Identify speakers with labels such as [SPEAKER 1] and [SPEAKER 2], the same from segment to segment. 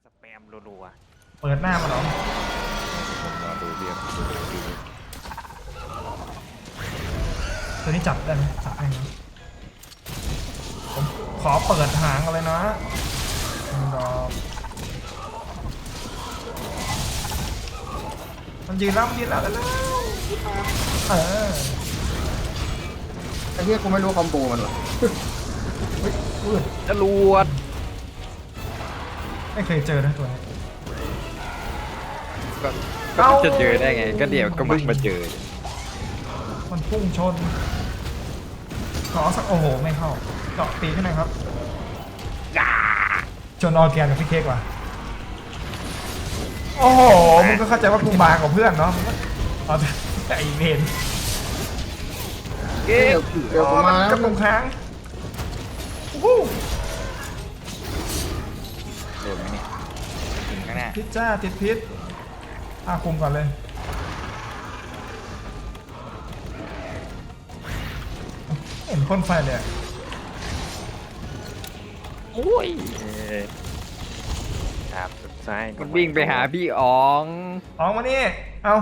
[SPEAKER 1] สแปมรัว
[SPEAKER 2] เปิดหน้ามาเหรอ
[SPEAKER 1] ๆรอดูเรียบ
[SPEAKER 2] ตัวนี้จับได้ไหมจับได้ไหมผมขอเปิดหางกันเลยนะดอกมันยืนแล้วแล้วเออ
[SPEAKER 3] ไอ้เหี้ยกูไม่รู้คอมโบมันหรอ
[SPEAKER 2] อุ้ย
[SPEAKER 1] จรวด
[SPEAKER 2] ไม่เคยเจอนะตัวนี้
[SPEAKER 1] ก็จะเจอได้ไง ก็เดี๋ยวก็เพิ่งมาเจอ
[SPEAKER 2] มันพุ่งชนขอสักโอ้โหไม่เข้าเจาะตีขึ้นหน่อยครับจนออร์แกนกับพี่เค้กว่ะโอ้โหมึงก็เข้าใจว่ากูบางกว่าเพื่อนเนาะมึงก็เอาแต่ไอเวน
[SPEAKER 1] เก๊ก
[SPEAKER 3] เดี๋ยวกูมา
[SPEAKER 2] กับตรงค้างวู้
[SPEAKER 1] โดนไหมเนี่ยถึงข้างหน้า
[SPEAKER 2] พิษจ้าติดพิษคุมก่อนเลยเห็นพ่นไฟเลยอะ
[SPEAKER 1] โอ้ยครับสุดท้าย
[SPEAKER 4] มันวิ่งไปหาพี่อ๋อง
[SPEAKER 2] ออกมานี่เอา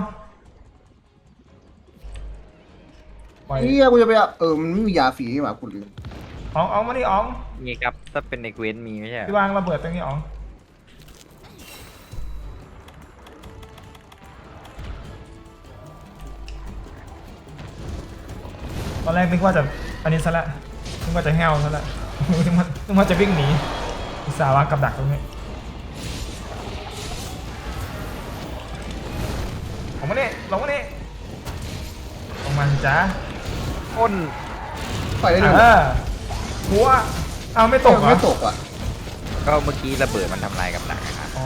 [SPEAKER 2] ปล่อย
[SPEAKER 3] เหี้ยกูจะไปมันไม่มียาฝีนี่หว่ากูลืม
[SPEAKER 2] อ๋องมานี่อ๋อง
[SPEAKER 4] นี่ครับถ้าเป็นในเกวนมีไม่ใช่เหร
[SPEAKER 2] พี่
[SPEAKER 4] อ
[SPEAKER 2] วางระเบิดตรงนี้อ๋องตอนแรกนึกว่าจะอันนี้ซะละนึกว่าจะแห้วซะละ นึกว่าจะวิ่งหนีอุตส่าห์วางกับดักตรงนี้ลงมานี่ลงมานี่ลงมาสิจ้า
[SPEAKER 4] อ้น
[SPEAKER 3] ไปได้เลย
[SPEAKER 2] หัวเอาไม่ตกเหรอ
[SPEAKER 3] ไม่ตกอ่ะ
[SPEAKER 4] ก็เมื่อกี้ระเบิดมันทำลายกับดักนะครับ
[SPEAKER 2] อ๋อ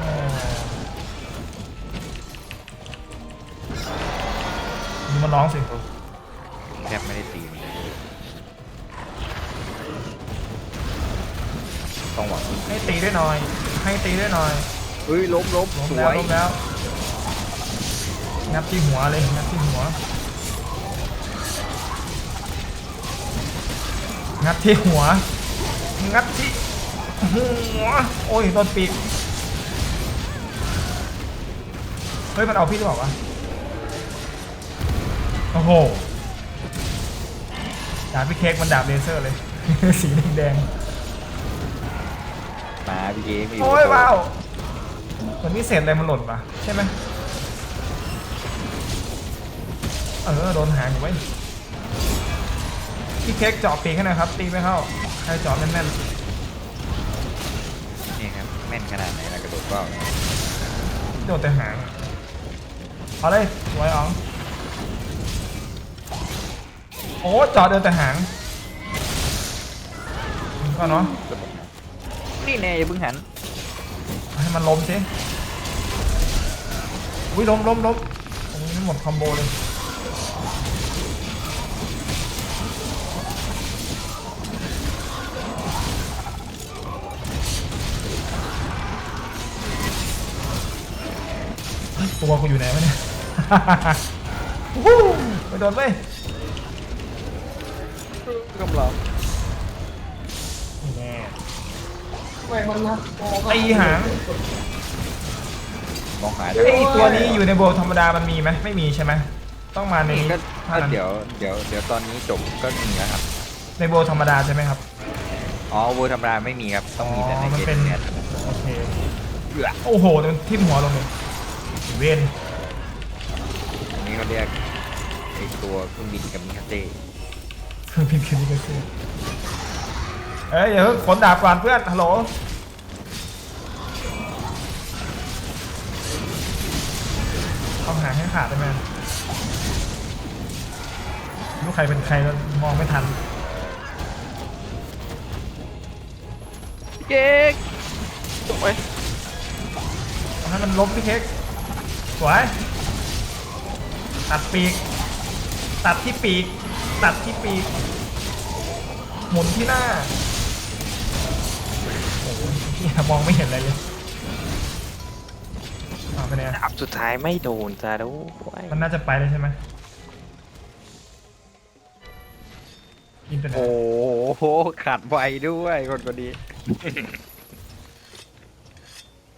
[SPEAKER 2] ดูมันร้องสิ
[SPEAKER 4] แทบไม่ได้ตีมันเลยต้องหวัง
[SPEAKER 2] ให้ตีด้วยหน่อย ให้ตีด้วยหน่อย
[SPEAKER 4] เฮ้ยล้ม
[SPEAKER 2] ล้ม
[SPEAKER 4] ส
[SPEAKER 2] แล้ว
[SPEAKER 4] วย
[SPEAKER 2] ล้มแล้วงับที่หัวเลยงับที่หัวงับที่หัวงับที่หัวโอ้ยโดนปีกเฮ้ยมันเอาพี่หรือเปล่าวะโอ้โหดาบพี่เค้กมันดาบเลเซอร์เลย สีแดง
[SPEAKER 4] มาพี่เก๋มี
[SPEAKER 2] ๆโอ้ยว้าวมันมีเศษอะไรมันหล่นปะใช่ไหมโดนหางอยู่ไว้ยพี่เค้กเจาะปีกให้หน่อยครับตีไม่เข้าใครเจาะแน่น
[SPEAKER 4] นี่ครับแม่นขนาดไหนนะกระโดดเปล่า
[SPEAKER 2] ๆโดนแต่หางเอาเลยสวยอ๋องโอ้เจาะเดินแต่หางก็เนาะ
[SPEAKER 4] นี่แน่อย่าเพิ่งหัน
[SPEAKER 2] ให้มันล้มสิอุ้ยล้มตรงนี้หมดคอมโบเลยตัวกูอยู่ไหนวะเนี่ย วู้ไปโดนไป
[SPEAKER 4] กำลัง
[SPEAKER 2] แน่
[SPEAKER 3] แหวกมันนะ
[SPEAKER 2] ตีหาง
[SPEAKER 4] มองหา
[SPEAKER 2] ไอตัวนี้อยู่ในโบว์ธรรมดามันมีไหมไม่มีใช่ไหมต้องมาใน
[SPEAKER 4] นี่
[SPEAKER 2] นี้
[SPEAKER 4] ก็
[SPEAKER 2] เท่านั้น
[SPEAKER 4] เดี๋ยวตอนนี้จบก็มีแล้วครับ
[SPEAKER 2] ในโบว์ธรรมดาใช่ไหมครับ
[SPEAKER 4] อ๋อเวอร์ธรรมดาไม่มีครับต้องมีแต่ใน
[SPEAKER 2] มัน
[SPEAKER 4] เก
[SPEAKER 2] เป็น
[SPEAKER 4] มเนี่ย
[SPEAKER 2] โอเค
[SPEAKER 4] เอื้อ
[SPEAKER 2] โอ้โหโดนทิ่มหัวลงเลยเวน
[SPEAKER 4] อันนี้เขาเรียกไอตัวเครื่องบินกับมิคาเต้
[SPEAKER 2] เครื่องพิมพ์คืนนี้ก็ซื้อเอ้ยอย่าเพิ่งขนดาบก่อนเพื่อนฮัลโหลเอาหางให้ขาดได้ไหมลูกใครเป็นใครแล้วมองไม่ทัน
[SPEAKER 1] เก๊กสวย
[SPEAKER 2] เอาให้มันล้มพี่เค้กสวยตัดปีกตัดที่ปีกตัดที่ปีกหมุนที่หน้าโอ้โหเหี้ยมองไม่เห็นอะไรเลยเอาไปเนี่ย
[SPEAKER 1] ดาบสุดท้ายไม่โดนจ้าด้วย
[SPEAKER 2] มันน่าจะไปเลยใช่ไหมอินเทอร์เน็ต
[SPEAKER 4] โอ้โหขาดไวด้วยคนนี้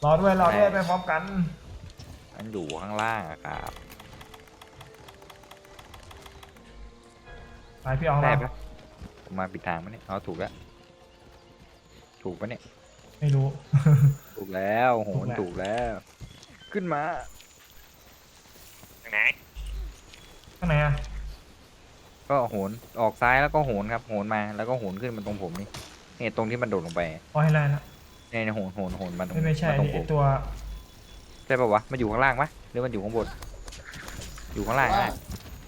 [SPEAKER 2] รอด้วยไปพร้อมกัน
[SPEAKER 4] มันอยู่ข้างล่างอะครับ
[SPEAKER 2] ไปพี่ออง
[SPEAKER 4] ได้
[SPEAKER 2] เรา
[SPEAKER 4] ปะผมมาปิดทางปะเนี่ยเอาถูกแล้วถูกปะเนี่ย
[SPEAKER 2] ไม่รู้
[SPEAKER 4] ถูกแล้วโห
[SPEAKER 2] ถูก
[SPEAKER 4] น
[SPEAKER 2] แล้ว
[SPEAKER 4] ถูกแล้ว ขึ้นมา
[SPEAKER 1] ไหน
[SPEAKER 2] ข้างไหนอะ
[SPEAKER 4] ก็โหนออกซ้ายแล้วก็โหนครับโหนมาแล้วก็โหนขึ้นมาตรงผมนี่เนี่ยตรงที่มันโดดลงไป
[SPEAKER 2] อ๋อให้ไล่ละ
[SPEAKER 4] เนี่ยโหนมาตรง
[SPEAKER 2] ไม่ใช่
[SPEAKER 4] าตรงผ
[SPEAKER 2] ไอ
[SPEAKER 4] ม
[SPEAKER 2] ตัว
[SPEAKER 4] ใช่ปะวะมันอยู่ข้างล่างปะหรือมันอยู่ข้างบนอยู่ข้างล่าง
[SPEAKER 3] ว่า
[SPEAKER 4] อะ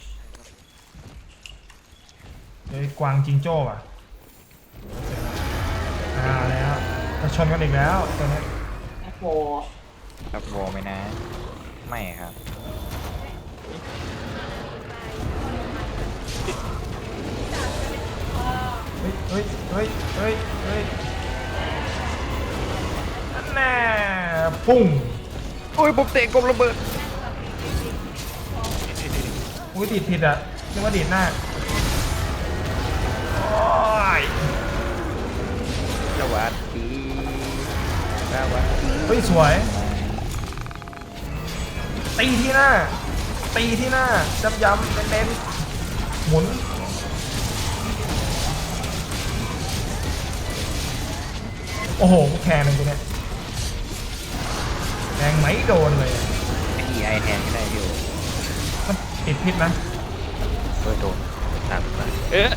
[SPEAKER 2] ไอกวางจิงโจ้อะแล้วจะชนกันอีกแล้วตัวนี้
[SPEAKER 3] แอปโฟ
[SPEAKER 4] ครับวอลไหมนะ ไม่ครับ
[SPEAKER 2] เฮ้ยนั่นแน่ปุ้ง
[SPEAKER 4] โอ้ยผมเตะกลมระเบิด
[SPEAKER 2] อุ้ยดีดผิดอ่ะนึกว่าดีดหน้าโอ้ย
[SPEAKER 4] สวัสดีสวัสดี
[SPEAKER 2] เฮ้ยสวยตีที่หน้าย้ำเน้นๆหมุนโอ้โหแข่งเลยกูเนี่ยแรงไหมโดนเลย
[SPEAKER 4] ไอแทนไม่ได้พี่โอ
[SPEAKER 2] มันติดพิษนะ
[SPEAKER 1] เปิดโดนตามมา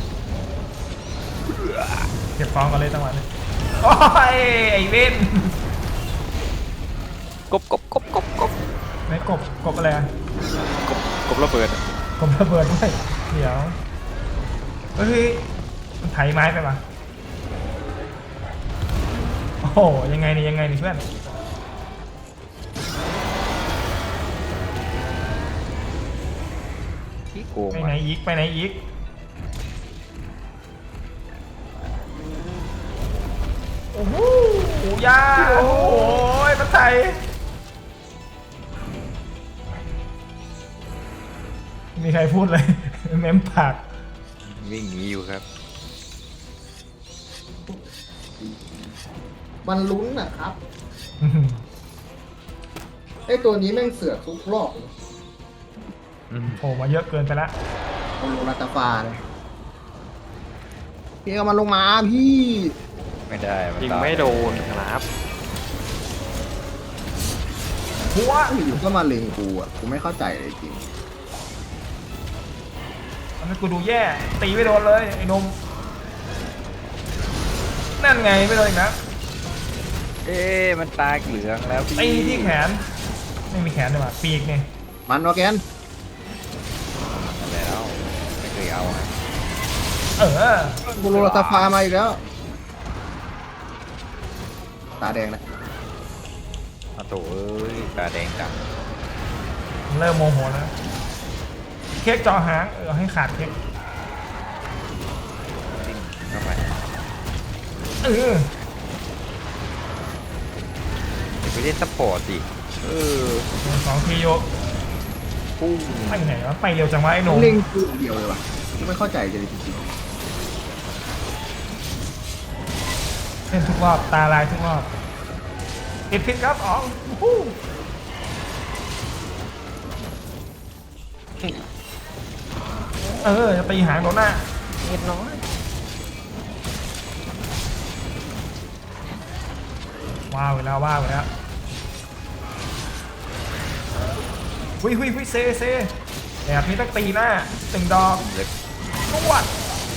[SPEAKER 2] เก็บฟองกันเลยจังหวะนี้โอ้ยไอเว้น
[SPEAKER 1] กบ
[SPEAKER 2] ไหนกบอะไรอะ
[SPEAKER 1] กบระเบิด
[SPEAKER 2] กบระเบิดด้วยเดี๋ยวเฮ้ยมันไถไม้ไปปะโอ้โหยังไงนี่เพื่อน
[SPEAKER 4] ที่โกง
[SPEAKER 2] ไปไหนอีกโอ้โหยาโอ้ยมันไถมีใครพูดเลย เม้มปาก
[SPEAKER 4] วิ่งหนีอยู่ครับ
[SPEAKER 3] มันลุ้นนะครับ
[SPEAKER 2] อื้อหือ
[SPEAKER 3] ไอตัวนี้แม่งเสือกทุกรอบเลย
[SPEAKER 2] โผล่มาเยอะเกินไปละ
[SPEAKER 3] มันลงรัตฟาเลยพี่เอามันลงมาพี่
[SPEAKER 4] ไม่ได้น
[SPEAKER 1] ยิง
[SPEAKER 4] ตาย
[SPEAKER 1] ไม่โดนครับ
[SPEAKER 2] หัว
[SPEAKER 3] อยู่ๆก็มาเล็งกูอ่ะกูไม่เข้าใจเลยจริง
[SPEAKER 2] ทำให้กูดูแย่ตีไม่โดนเลยไอ้นมนั่นไงไม่โดนอีกนะ
[SPEAKER 4] เอ๊ะมันตาเหลืองแล้วพี่
[SPEAKER 2] ตีที่แขนไม่มีแขนเลยว่ะปีกไง
[SPEAKER 3] มันวะแกน
[SPEAKER 4] มาแล้วไม่เคยเอานะ
[SPEAKER 2] เออ
[SPEAKER 3] กูลงรัตฟามาอีกแล้ว ตาแดงนะ
[SPEAKER 4] เอาโถเอ้ยตาแดงจัง
[SPEAKER 2] เริ่มโมโหแล้วเค้กเจอหางให้ขาดเค้ก
[SPEAKER 4] ดิ้นเข้าไป
[SPEAKER 2] เออ
[SPEAKER 4] อย่าไปเล่นซัพพอร์ตสิ
[SPEAKER 2] 2 ทีโย
[SPEAKER 4] ปุ้ง
[SPEAKER 2] ไปไหนวะไปเร็วจังวะไอ้หนม
[SPEAKER 3] เล็งกูอย่างเดียวเลยว่ะกูไม่เข้าใจเลยจริง
[SPEAKER 2] เล่นทุกรอบตาลายทุกรอบติดพิษครับอ๋องฮู้จะตีหางโดนหน้า
[SPEAKER 1] นิดน้อย
[SPEAKER 2] ว้าวไปแล้วหุยเซแบบนี้ต้องตีหน้า1 ดอก
[SPEAKER 4] เล็บ
[SPEAKER 2] นวด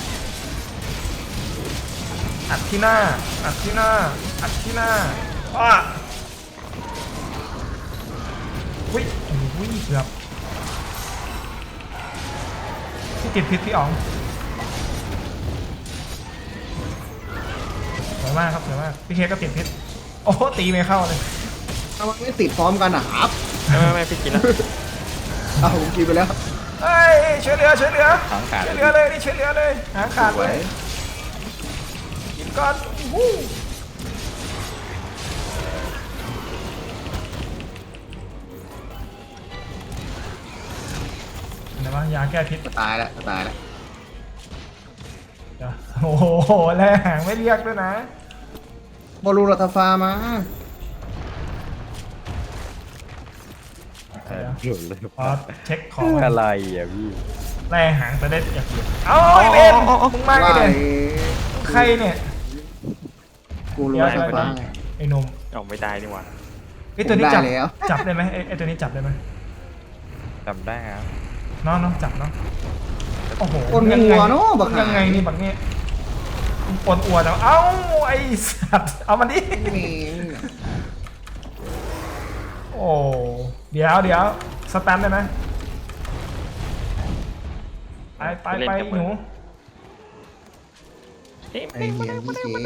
[SPEAKER 2] อัดที่หน้าอ้าหุยเกือบที่ติดพิษพี่อ๋องสวยมากครับสวยมากพี่เคก็ติดพิษโอ้โหตีไม่เข้าเลย
[SPEAKER 3] ๆถ้ามันไม่ติดพร้อมกันอ่ะครับ
[SPEAKER 1] ไม่พี่กินแล้ว
[SPEAKER 3] เอาผมกินไปแล้ว
[SPEAKER 2] เฮ้ยช่วยเหลือ
[SPEAKER 4] หางขาด
[SPEAKER 2] ช่วยเหลือเลยนี่ช่วยเหลือเลยหางขาด
[SPEAKER 3] ส
[SPEAKER 2] เล
[SPEAKER 3] วย
[SPEAKER 2] ยกินก่อนวู้อะไรวะยาแก้พิษ
[SPEAKER 3] ตายแล้ว
[SPEAKER 2] เดี๋ยวโอ้โหแล้วหางไม่เรียกด้วยนะ
[SPEAKER 3] บอลลูรัตฟามา
[SPEAKER 2] เดี๋ยว
[SPEAKER 4] หลุดเลย
[SPEAKER 2] ขอเช็คของ
[SPEAKER 4] อะไรอ่ะพี่
[SPEAKER 2] แล่หางจะได้อยากเห็นเอาไอ้เบนมึงมาไงเนี่ยใครเนี่ย
[SPEAKER 3] กูรู้ว่าไฟฟ้าไง
[SPEAKER 2] ไอ้หนุ่ม
[SPEAKER 1] เอาไม่ได้นี่หว่า
[SPEAKER 2] ไอ้ตัวนี้จับ
[SPEAKER 3] ผมได้แล้ว
[SPEAKER 2] จับได้ไหมไอ้ตัวนี้จับได้ไหม
[SPEAKER 4] จำได้ครับ
[SPEAKER 2] เนาะจับเนาะโอ้โห
[SPEAKER 3] คนงัวเนาะบัก
[SPEAKER 2] ยังไงนี่บักนี่ปนอัวแล้วเอ้าไอ้สัตว์เอามันดิ
[SPEAKER 3] มี
[SPEAKER 2] โอ้เดี๋ยวสแตนได้ไหมไปหนู
[SPEAKER 3] ไอเดียพี่เก๋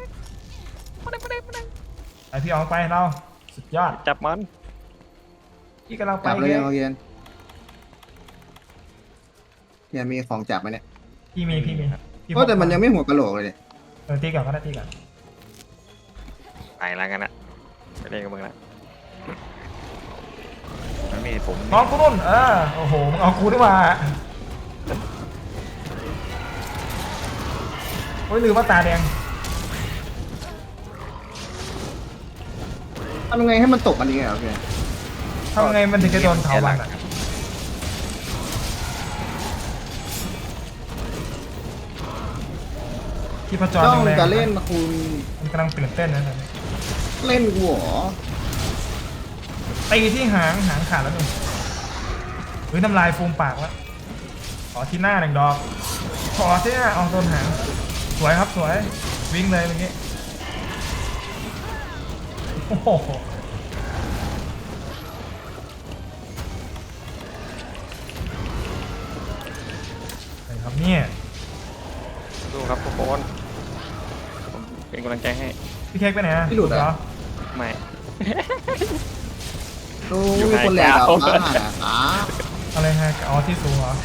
[SPEAKER 2] ไปพี่ออกไปเราสุดยอด
[SPEAKER 1] จับมัน
[SPEAKER 2] พี่กำลังไป
[SPEAKER 3] จับเลย
[SPEAKER 2] เลย
[SPEAKER 3] เอาเย็นเนี่ยมีของจับไหมเนี่ย
[SPEAKER 2] พี่มีพี่
[SPEAKER 3] โอ้แต่มันยังไม่หัวกะโหลกเลยเนี่ย
[SPEAKER 2] ตีก่อนก็ได้ตีก่อน
[SPEAKER 1] ไปแล้วกันนะไปเล่นกับมึงละ
[SPEAKER 4] มันมีผม
[SPEAKER 2] น้องกูนุ่นโอ้โหมึงเอากูดีกว่าโอ้ยลืมว่าตาแดง
[SPEAKER 3] ทำยังไงให้มันตกอันนี้ไงโอเค
[SPEAKER 2] ทำไงมันถึงจะโดนเถาวันอ่ะที่พจร
[SPEAKER 3] ต้อง
[SPEAKER 2] แรงๆ
[SPEAKER 3] จะเล่นคุณ
[SPEAKER 2] มันกำลังตื่นเต้นนะตอนนี้
[SPEAKER 3] เล่นกูเหรอ
[SPEAKER 2] ตีที่หางขาดแล้วนี่เฮ้ยน้ำลายฟูมปากแล้วขอที่หน้าหนึ่งดอกขอที่หน้าเอาโดนหางสวยครับสวยวิ่งเลยเมื่อกี้โอ้โหอะไรครับเนี่ย
[SPEAKER 1] สู้ครับทุกคนผมเป็นกำลังใจให้
[SPEAKER 2] พี่เค้กไปไหนอะ
[SPEAKER 3] พี่หลุดเหรอ
[SPEAKER 1] ไม่
[SPEAKER 3] ดู
[SPEAKER 1] อยู่
[SPEAKER 3] มีคนแหลก
[SPEAKER 1] ไฮ
[SPEAKER 3] อ่ะ
[SPEAKER 1] กราวด์
[SPEAKER 3] ฟ้า
[SPEAKER 2] อะไรฮะอ๋อที่สูงเหรอ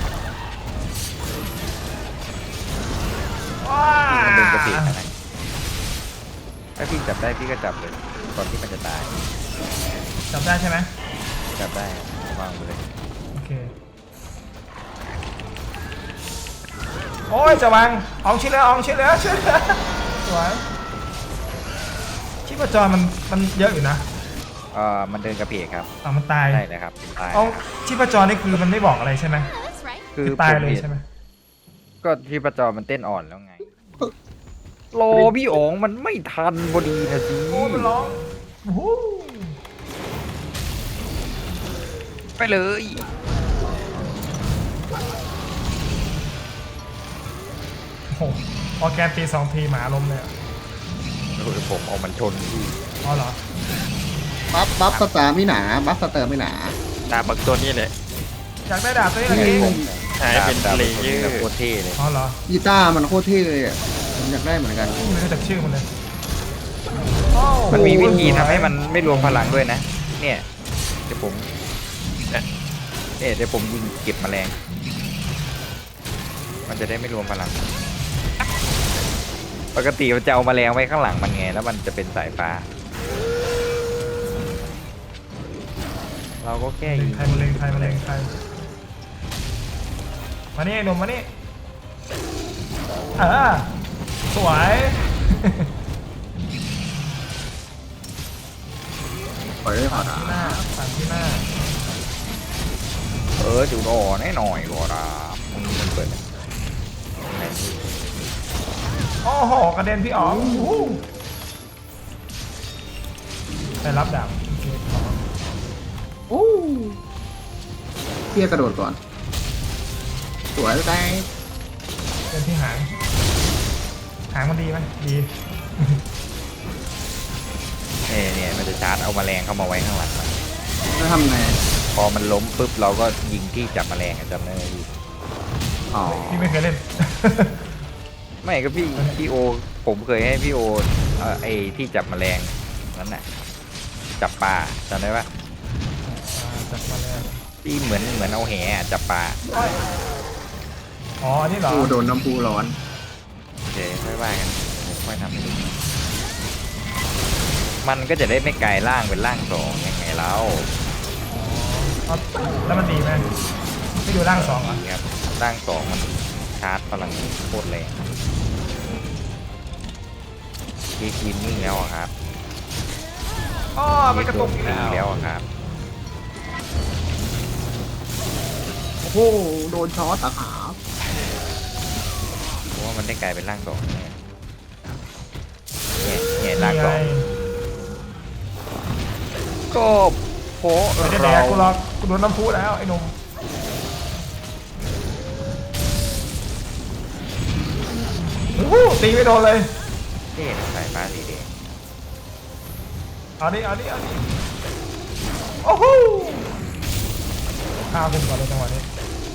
[SPEAKER 2] ว้า
[SPEAKER 4] มันเป็นกระสีอะไรถ้าพี่จับได้พี่ก็จับเลยก่อนที่มันจะตาย
[SPEAKER 2] จับได้ใช่ไหม
[SPEAKER 4] จับได้วางไปเลย
[SPEAKER 2] โอเคโอ้ยจะวางอองชิ้นแล้วช่วยเหลือสวยชีพจรมันเยอะอยู่นะ
[SPEAKER 4] มันเดินกระเพกครับ
[SPEAKER 2] มันตาย
[SPEAKER 4] ใช่เลยครับตาย
[SPEAKER 2] เอาชีพจรนี่คือมันไม่บอกอะไรใช่ไหม
[SPEAKER 5] That's right.
[SPEAKER 4] คือ
[SPEAKER 2] ตาย
[SPEAKER 4] ผม
[SPEAKER 2] เลย
[SPEAKER 4] ห็น
[SPEAKER 2] ใช่ไหม
[SPEAKER 4] ก็ที่ประจอมันเต้นอ่อนแล้วไงรอพี่อ๋องมันไม่ทันพอดีนะสิ
[SPEAKER 2] โอ้มันร้องโอ้โห
[SPEAKER 4] ไปเลย
[SPEAKER 2] โอ้โหออร์แกนตี2 ทีหมาล้มเลยอะ
[SPEAKER 4] โอ้ยผมเอามันชนพี่
[SPEAKER 2] อ๋อเหรอ
[SPEAKER 3] บัฟสตาร์ไม่หนาบัฟสเตอร์ไม่หนา
[SPEAKER 1] ดาบบักตัวนี้เลย
[SPEAKER 2] อยากได้ดาบตัวนี้อะไรกี้
[SPEAKER 1] หายเป็น
[SPEAKER 4] ดาบ
[SPEAKER 1] เล
[SPEAKER 4] ตัว
[SPEAKER 1] เย
[SPEAKER 4] นี้
[SPEAKER 1] อ
[SPEAKER 4] กับ
[SPEAKER 1] ร์
[SPEAKER 4] โคตรเท่เลย
[SPEAKER 2] อ๋อเหรอ
[SPEAKER 3] กีตาร์มันโคตรเท่เลยอ่ะผมอยากได้เหมือนกัน
[SPEAKER 2] ไม่รู้จักชื่อมันเลย
[SPEAKER 4] มันมีวิธีทำให้มันไม่รวมพลังด้วยนะ เนี่ยเดี๋ยวผมเนี่ยเดี๋ยวผมยิงเก็บแมลง มันจะได้ไม่รวมพลัง ปกติมันจะเอาแมลงไว้ข้างหลังมันไงแล้วมันจะเป็นสายฟ้า เราก็แค่ยิง
[SPEAKER 2] ใครมาเลงใครมานี่ไอ้หนุ่มมานี่สวย
[SPEAKER 3] ปล่อยได้พอ
[SPEAKER 2] ที่หน้าสั่งที่หน้า
[SPEAKER 4] จุดอ่อนให้หน่อยก็ได้มึงมันเปิดไหนนี่
[SPEAKER 2] โอ้โหกระเด็นพี่อ๋องไปรับดาบโอเคขอ
[SPEAKER 3] โอ้เพี้ยกระโดดก่อน สวยได้
[SPEAKER 2] เป็นที่หางมันดีไหมดี
[SPEAKER 4] เนี่ยมันจะชาร์จเอาแมลงเข้ามาไว้ข้างหลังมัน
[SPEAKER 3] แล้วทำไง
[SPEAKER 4] พอมันล้มปุ๊บเราก็ยิงที่จับแมลงอะจำได้ไหมพี่
[SPEAKER 3] อ๋อ
[SPEAKER 2] พี่ไม่เคยเล่น
[SPEAKER 4] ไม่ก็พี่โอ ผมเคยให้พี่โอไอ้ที่จับแมลงนั่นน่ะจับปลาจำได้ปะ
[SPEAKER 2] จับมาแล้ว
[SPEAKER 4] ที่เหมือนเอาแหอะจับปลา
[SPEAKER 2] อ๋ออันนี้เหรอ
[SPEAKER 3] กูโดนน้ำพุร้อน
[SPEAKER 4] โอเคค่อยว่ากันค่อยทำให้ดูมันก็จะได้ไม่กลายร่างเป็นร่างสองยังไงแล้ว
[SPEAKER 2] อ๋อแล้วมันดีไหมไม่ดูร่างสองเหรอ
[SPEAKER 4] นี่ครับร่างสองมันชาร์จพลังโคตรแรงทีกินนิ่งแล้วอะครับ
[SPEAKER 2] อ๋อมันกระตุกอีก
[SPEAKER 4] นิ่
[SPEAKER 2] แล้
[SPEAKER 4] งแล้ว
[SPEAKER 2] ว
[SPEAKER 4] อะครับ
[SPEAKER 3] โดนช็อตตะขาบ
[SPEAKER 4] เพราะว่ามันได้กลายเป็นร่างสองเนี่ยเนี่ยร่างสอง ก็เพราะ
[SPEAKER 2] ไม่ได้แดกกูหรอกกูโดนน้ำพุแล้วไอ้หนุ่มโอ้โหตีไม่โดนเลย
[SPEAKER 4] เท่นะสายฟ้าสีแดง
[SPEAKER 2] เอาดิโอ้โหข้าวขึ้นก่อนเลยจังหวะนี้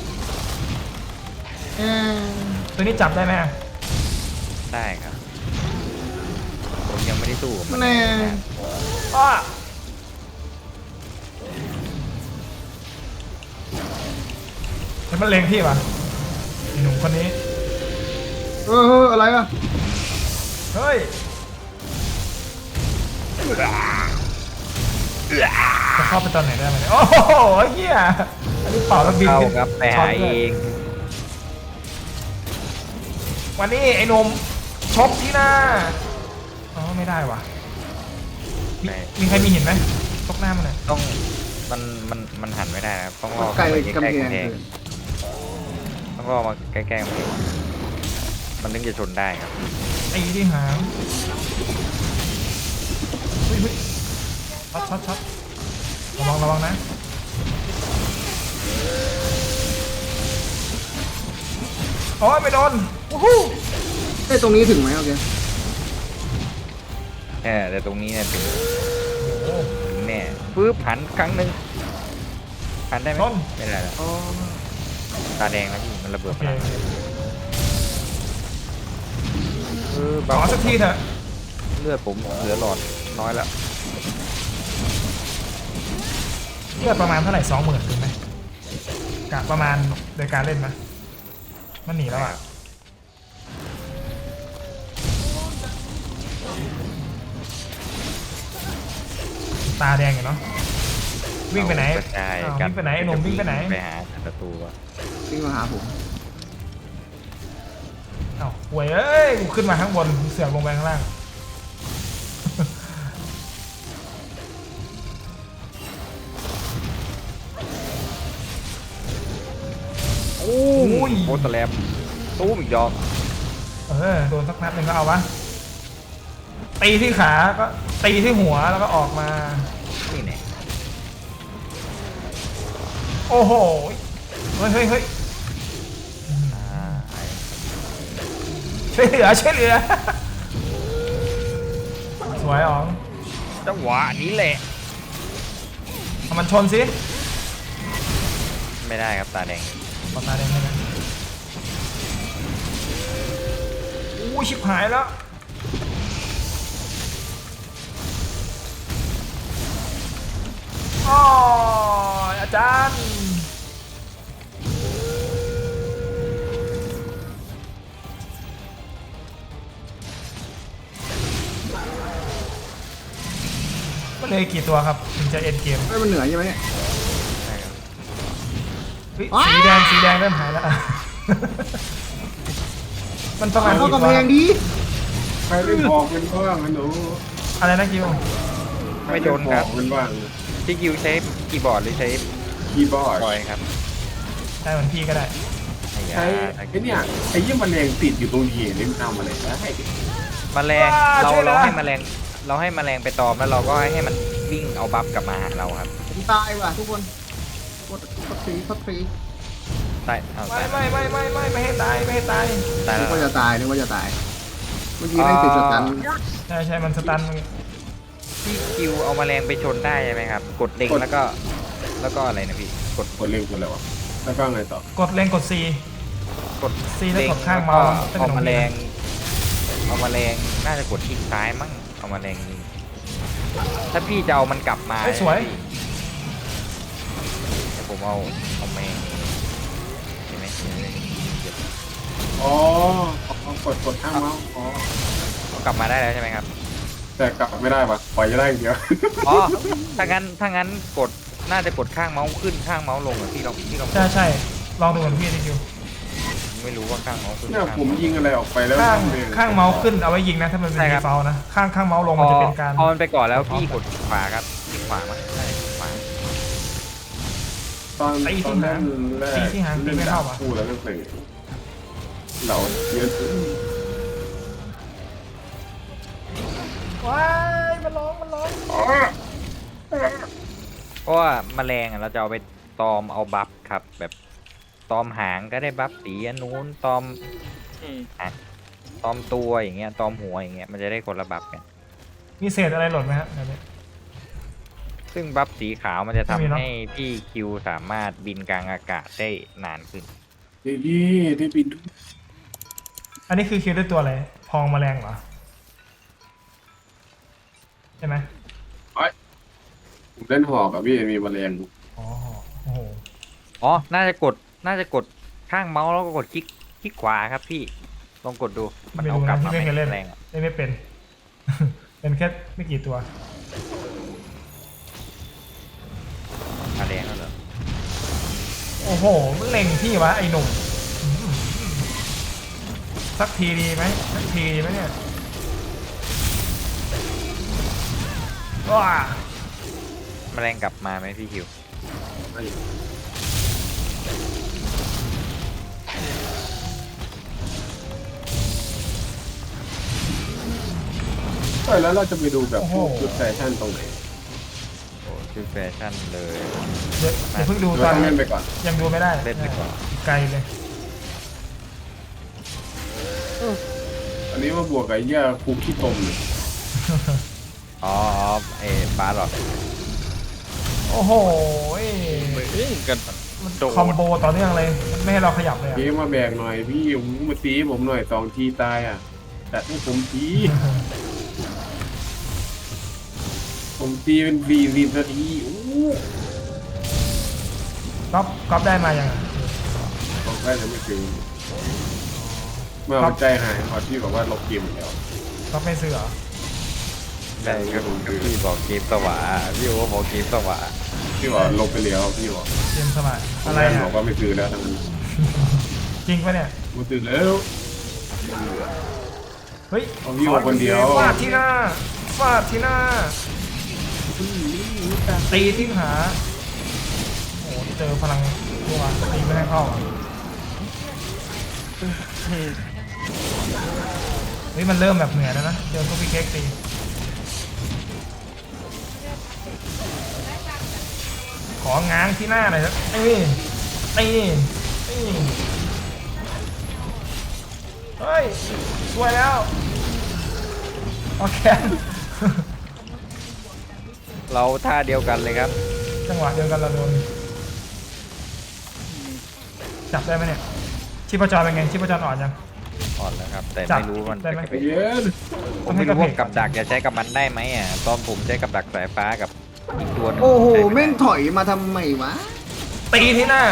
[SPEAKER 3] เอ๊ะ
[SPEAKER 2] ตัวนี้จับได้ไหม
[SPEAKER 4] ได้ครับผมยังไม่ได้สู้กับมัน
[SPEAKER 3] แน่
[SPEAKER 2] อ้าเห็นมันเลงพี่ป่ะไอ้หนุ่มคนนี้
[SPEAKER 3] อะไรวะ
[SPEAKER 2] เฮ้ยจะเข้าไปตอนไหนได้ไหมเนี่ยโอ้โหเฮียอันนี้เป่าแล้วบิน
[SPEAKER 4] เข้า
[SPEAKER 2] ขึ้น
[SPEAKER 4] ครับไป
[SPEAKER 2] ช็
[SPEAKER 4] หา
[SPEAKER 2] ต
[SPEAKER 4] เอ
[SPEAKER 2] เลย
[SPEAKER 4] ง
[SPEAKER 2] วันนี้ไอ้หนุ่มชกที่หน้าอ๋อไม่ได้ว่ะมีใครมีเห็นไหมชกหน้ามันหน่อย
[SPEAKER 4] ต้องมันหันไม่ได้นะครับต้องรอ
[SPEAKER 3] ไกล
[SPEAKER 4] เข้าไป
[SPEAKER 3] กำ
[SPEAKER 4] ใกล้
[SPEAKER 3] แพ
[SPEAKER 4] ๆ
[SPEAKER 3] ง
[SPEAKER 4] กำแพง
[SPEAKER 3] เลย
[SPEAKER 4] ต้องรอมาใกล้ๆกำแพงมันถึงจะชนได้ครับ
[SPEAKER 2] ตีที่หางเฮ้ยช็อตระวังนะโอ้ยไม่โดนวู้ฮู้
[SPEAKER 3] ตรงนี้ถึงไหมโอเค
[SPEAKER 4] แต่ตรงนี้เนี่ยถึง
[SPEAKER 2] โอ้โห
[SPEAKER 4] แน่ปึ๊บหันครั้งหนึ่งหันได้ไหม
[SPEAKER 2] ชน
[SPEAKER 4] ไม่ได้แล้วตาแดงแล้วพี่มันระเบิด
[SPEAKER 2] โอ
[SPEAKER 4] พ
[SPEAKER 2] เค
[SPEAKER 4] ลัง
[SPEAKER 2] ขอสักทีเถอะ
[SPEAKER 4] เลือดผมเหลือหลอดน้อยแล้ว
[SPEAKER 2] เลือดประมาณเท่าไหร่20,000ถึงไหมกะประมาณโดยการเล่นไหมมันหนีแล้วอ่ะตาแดงอยู่เนาะวิ่งไปไหน
[SPEAKER 4] กระจาย
[SPEAKER 2] อ้าว
[SPEAKER 4] กั
[SPEAKER 2] วิ่งไปไหนไอ้หนุ่มวิ่งไปไหน
[SPEAKER 4] ไปหาศัตรูอะ
[SPEAKER 3] วิ่งมาหาผม
[SPEAKER 2] เอ้าห่วยเอ้ยกูขึ้นมาข้างบนเสือกลงไปข้างล่างโอ้ย
[SPEAKER 4] โคตรแลมตู้มอีกดอก
[SPEAKER 2] โดนสักนัดหนึ่งก็เอาวะตีที่ขาก็ตีที่หัวแล้วก็ออกมา
[SPEAKER 4] นี่แน่
[SPEAKER 2] โอ้โหเฮ้ย
[SPEAKER 4] อ่า
[SPEAKER 2] ช่วยเหลือสวยอ๋อง
[SPEAKER 4] จังหวะนี้แหละ
[SPEAKER 2] เอามันชนสิ
[SPEAKER 4] ไม่ได้ครับตาแดง
[SPEAKER 2] ปตาแดงให้นะอู้ชิบหายแล้วอ๋ออาจารย์มันเลยกี่ตัวครับถึงจะเอ็นเกม
[SPEAKER 3] มันเหนือใช่ไหมเนี่ย
[SPEAKER 4] ใช่ครับ
[SPEAKER 2] เฮ้ยสีแดงเริ่มหายแล้ว มันประมาณ
[SPEAKER 3] เข้า
[SPEAKER 2] กี่
[SPEAKER 3] กำ
[SPEAKER 2] ตั
[SPEAKER 3] แพ
[SPEAKER 2] ว
[SPEAKER 3] งดี
[SPEAKER 5] ใครไม่บอกมันบ้างนะหนู
[SPEAKER 2] อะไรนะคิว
[SPEAKER 4] ไม่โดนครับ
[SPEAKER 5] ใมันบ้าง
[SPEAKER 4] พี่กิวใช้คีย์บอร์ดหรือใช้
[SPEAKER 5] คีย์บอร์ด
[SPEAKER 4] บอยครับ
[SPEAKER 2] ได้เหมือนพี่ก็ได้
[SPEAKER 4] ไอ้ยา
[SPEAKER 5] ใช้ไอ้เนี่ยไอ้ยี่แมลงติดอยู่ตรงเหยนี่มันทำอะไรได้
[SPEAKER 4] แมลงเราให้แมลงไปตอมแล้วเราก็ให้มันวิ่งเอาบัฟกลับมาหาเราครับ
[SPEAKER 3] ผมตายว่ะทุกคนกดฟรี
[SPEAKER 4] ตายเอา
[SPEAKER 2] ไม่
[SPEAKER 4] ตาย
[SPEAKER 2] ไม่ให้ตาย
[SPEAKER 4] ตาย
[SPEAKER 3] นึ
[SPEAKER 4] แล้
[SPEAKER 3] ก
[SPEAKER 4] ว
[SPEAKER 3] ว่าจะตายเมื่อกี้แม่งติดสตัน
[SPEAKER 2] ใช่มันสตัน
[SPEAKER 4] พี่กิวเอาแมลงไปชนได้ใช่ไหมครับ กดเล็งแล้วก็อะไรนะพี่กด
[SPEAKER 5] กดเร็วกดแล้วอะแล้วก็ไงต่อก
[SPEAKER 2] ดเล็งกด C
[SPEAKER 4] กด
[SPEAKER 2] ซีแล้วกดข้างเมาส์
[SPEAKER 4] เอาแมลงน่าจะกดคลิกซ้ายมั้งเอาแมลงยิงถ้าพี่จะเอามันกลับมา
[SPEAKER 2] เฮ้ยสวย
[SPEAKER 4] เดี๋ยวผมเอาแมงเห็นไหม
[SPEAKER 5] อ๋ออ๋อกดข้างเมาส์อ๋อ
[SPEAKER 4] เอากลับมาได้แล้วใช่ไหมครับ
[SPEAKER 5] แต่กลับไม่ได้ปะปล่อยจะได้อย่างเดียว
[SPEAKER 4] อ๋อถ้างั้นกดน่าจะกดข้างเมาส์ขึ้นข้างเมาส์ลงอ่ะพี่ลอง
[SPEAKER 2] ใช่ลองดูเหมือนพี่ดิคิว
[SPEAKER 4] ไม่รู้ว่าข้างเมาส์ขึ้น
[SPEAKER 5] เนี่ย
[SPEAKER 4] ข้าง
[SPEAKER 5] ผมยิงอะไรออกไปแล้ว
[SPEAKER 2] ข้างเมาส์ขึ้นเอาไว้ยิงนะถ้ามันเป็น
[SPEAKER 4] ใช่ค
[SPEAKER 2] ดี
[SPEAKER 4] รับ
[SPEAKER 2] ฟอลนะข้างเมาส์ลงมันจะเป็นการ
[SPEAKER 4] พอมันไปก่อนแล้วพี่กดขวาครับขวามั้งใช่ขวา
[SPEAKER 5] ตตอน
[SPEAKER 2] ตีที่
[SPEAKER 5] ตอน
[SPEAKER 2] หาง
[SPEAKER 5] แรก
[SPEAKER 2] ตีที่หางตีไม่เข้าอ่ะ
[SPEAKER 5] คู่แล้วก็เตะเราเยอะขึ้น
[SPEAKER 2] ว้ายมันร้อง
[SPEAKER 4] เพราะว่าแมลงอะเราจะเอาไปตอมเอาบัฟครับ แบบตอมหางก็ได้บัฟสีอันนู้นตอม
[SPEAKER 1] อืม
[SPEAKER 4] ตอมตัวอย่างเงี้ยตอมหัวอย่างเงี้ยมันจะได้คนละบัฟกัน
[SPEAKER 2] มีเศษอะไรหล่นไหมฮะแบบนี้
[SPEAKER 4] ซึ่งบัฟสีขาวมันจะ
[SPEAKER 2] ไม่มี
[SPEAKER 4] ทำ
[SPEAKER 2] เนอะ
[SPEAKER 4] ให้พี่คิวสามารถบินกลางอากาศได้นานขึ้น
[SPEAKER 5] ดีได้บิน
[SPEAKER 2] อันนี้คือคิวด้วยตัวอะไรพองแมลงเหรอใช่ไหม
[SPEAKER 5] ผมเล่นหอกกับพี่มีแมลง
[SPEAKER 2] อ๋อโอ้โห
[SPEAKER 4] อ๋อ น่าจะกดข้างเมาส์แล้วก็กดคลิกขวาครับพี่ ลองกดดู มัน
[SPEAKER 2] ไม่
[SPEAKER 4] เอา
[SPEAKER 2] รู้
[SPEAKER 4] กลั
[SPEAKER 2] นะ
[SPEAKER 4] บ
[SPEAKER 2] ที่
[SPEAKER 4] มา
[SPEAKER 2] ไม่เคยเล่น
[SPEAKER 4] แรงอะ
[SPEAKER 2] เล่นไม่เป็น เป็นแค่ไม่กี่ตัว
[SPEAKER 4] มาแรงแล้วเหรอ
[SPEAKER 2] โอ้โหมันเล็งพี่วะไอ้หนุ่มสักทีดีไหมเนี่ยว้า
[SPEAKER 4] แมลงกลับมาไหมพี่คิว
[SPEAKER 5] แล้วเราจะไปดูแบบพวกชุดแฟชั่นตรงไหน
[SPEAKER 4] โอ้ชื่อแฟชั่นเลย
[SPEAKER 2] เดี๋ยวเพิ่งดู
[SPEAKER 5] เรา
[SPEAKER 2] ตอน
[SPEAKER 5] ต้องเล่นไปก่อน
[SPEAKER 2] ยังดูไม่ได้
[SPEAKER 4] เล่นไปก่อน
[SPEAKER 2] ไกลเลย
[SPEAKER 5] อันนี้มาบวกกับเหี้ยคุกขี้ตมเลย
[SPEAKER 4] อ๋อบาร์หรอ
[SPEAKER 2] โอ้โห
[SPEAKER 1] เอ้ยกัน
[SPEAKER 2] มัน
[SPEAKER 1] โดด
[SPEAKER 2] คอมโบต่อเนื่องเลยมันไม่ให้เราขยับเลยอะ
[SPEAKER 5] พี่มาแบกหน่อยพี่มาตีผมหน่อย2 ทีตายอ่ะแต่ให้ผมตีผมตีเป็น40 นาทีโอ้
[SPEAKER 2] ก๊อฟได้มายังอะ
[SPEAKER 5] บอกได้แต่ไม่ถึงเมื่อเอาใจหายพอที่บอกว่าลบเกมแล้ว
[SPEAKER 2] ก๊อฟไม่ซื้อเหรอ
[SPEAKER 4] ได้ครับพี่บอกเกมสวะพี่โอบอกเกมสวะ
[SPEAKER 5] พี่บอกลบไปแล้วพี่บอก
[SPEAKER 2] เกมสมัยอะไร
[SPEAKER 5] บ
[SPEAKER 2] อะ
[SPEAKER 5] อกว่าไม่ซื้อแล้วทั้งนี้
[SPEAKER 2] จริงปะเนี่ย
[SPEAKER 5] ไม่ซื้อแล้ว
[SPEAKER 2] เฮ้ย
[SPEAKER 5] เอาพี่บอกคนเดียว
[SPEAKER 2] ฟาดที่หน้าตีที่ขาโอ้โหเจอพลังตัวตีไม่ได้เข้าอะเฮ้ยมันเริ่มแบบเหนื่อยแล้วนะเจอพวกพี่เค้กตีของ้างที่หน้าหน่อยครับนี่เฮ้ยสวยแล้วโอเค
[SPEAKER 4] เราท่าเดียวกันเลยครับ
[SPEAKER 2] จังหวะเดียวกันเราโดนจับได้ไหมเนี่ยชีพจรเป็นไงชีพจรอ่อนยัง
[SPEAKER 4] อ่อนแล้วครับ แต่
[SPEAKER 2] จับ
[SPEAKER 4] ไม่รู้มัน
[SPEAKER 2] ได้ไหม
[SPEAKER 5] ใจเย็น
[SPEAKER 4] ผมไม่รู้ว่ากับดักจะใช้กับมันได้ไหมอ่ะตอนผมใช้กับดักสายฟ้ากับอีกตัวหนึง
[SPEAKER 3] โอ้โห
[SPEAKER 4] ใช้ไได้
[SPEAKER 3] แม่งถอยมาทำไมวะ
[SPEAKER 2] ตีที่หน้า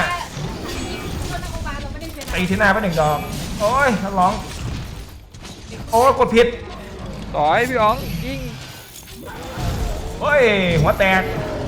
[SPEAKER 2] ตีที่หน้าไป1 ดอกโอ้ยร้องโอ้ยกดผิด
[SPEAKER 4] ต่อยพี่อ๋องยิง
[SPEAKER 2] โอ้ยหัวแตก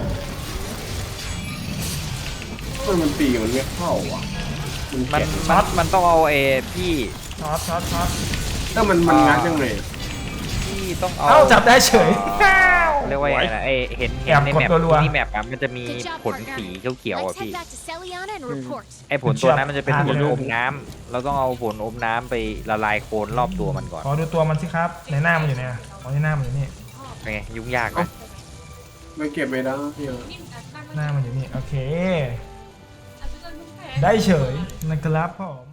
[SPEAKER 5] มันตีมันไม่เข้าอ่ะมัน
[SPEAKER 4] มัน
[SPEAKER 5] แกะ
[SPEAKER 4] มันต้องเอาพี่
[SPEAKER 2] ช็อต
[SPEAKER 5] ถ้ามันงัดยังไง
[SPEAKER 4] พี่ต้องเอา
[SPEAKER 2] เอ้าจับได้เฉย
[SPEAKER 4] เรียกว่ายังไงนะเห็น
[SPEAKER 2] แอบ
[SPEAKER 4] ใน
[SPEAKER 2] กด
[SPEAKER 4] แมป
[SPEAKER 2] รัวๆ
[SPEAKER 4] ที่แมปอะมันจะมีผลสีเขียวๆอ่ะ
[SPEAKER 6] Let's
[SPEAKER 4] พี่
[SPEAKER 6] head back to Celiana and report.
[SPEAKER 4] ไอ้ผลตัวนั้นมันจะเป็น
[SPEAKER 2] อ่า
[SPEAKER 4] ผล
[SPEAKER 2] เดี๋ยว
[SPEAKER 4] อมน้ำเราต้องเอาผลอมน้ำไปละลายโคลนรอบตัวมันก่อน
[SPEAKER 2] ขอดูตัวมันสิครับในหน้ามันอยู่เนี่ยอ๋อในหน้ามันอยู่นี่
[SPEAKER 4] เป็นไงยุ่งยากไหม
[SPEAKER 5] ไม่เก็บไม่ได้พี่
[SPEAKER 2] หน้ามันอยู่นี่โอเค ได้เฉยนะครับผม